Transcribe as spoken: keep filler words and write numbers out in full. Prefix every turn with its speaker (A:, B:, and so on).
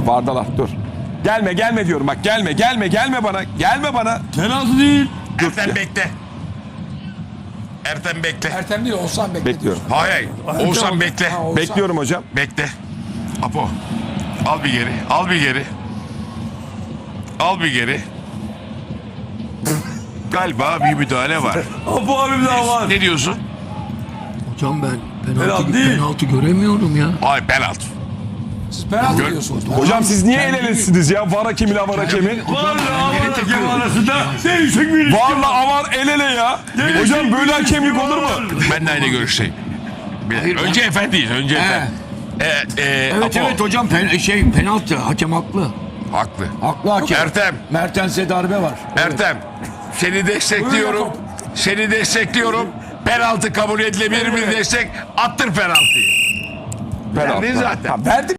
A: Bardalar dur. Gelme gelme diyorum bak gelme gelme gelme bana. Gelme bana.
B: Penaltı değil.
C: Ertem bekle. Ertem bekle.
D: Ertem değil Oğuzhan bekle.
A: Bekliyorum.
C: Hayır hayır. Oğuzhan bekle.
D: Ha, Oğuzhan.
A: Bekliyorum hocam.
C: Bekle. Apo. Al bir geri. Al bir geri. Al bir geri. Galiba bir müdahale var.
B: Apo abim daha var.
C: Ne diyorsun?
E: Hocam ben penaltı,
B: Penaltı değil.
E: penaltı göremiyorum ya.
C: Ay penaltı.
D: Siz penaltı
C: Gör-
D: diyorsunuz.
A: Hocam siz niye el elesiniz ya? Var hakemiyle avar hakemi.
B: Varla avar hakem arasında değişik bir ilişki
A: Varla
B: var.
A: avar el ele ya. Hocam böyle hakemlik olur mu?
C: Ben de aynı görüşteyim. Bir- önce efendiyiz. Önce efendi. Ee, e,
E: Evet
C: Apo.
E: evet hocam pen, şey penaltı hakem haklı.
C: Haklı.
E: Haklı hakem.
C: Ertem.
E: Mertens'e darbe var.
C: Ertem. Seni destekliyorum. Seni destekliyorum. Penaltı kabul edilebilir bir destek. Attır penaltıyı.
A: Penaltı.
C: Verdin zaten.
A: Ha, verdim.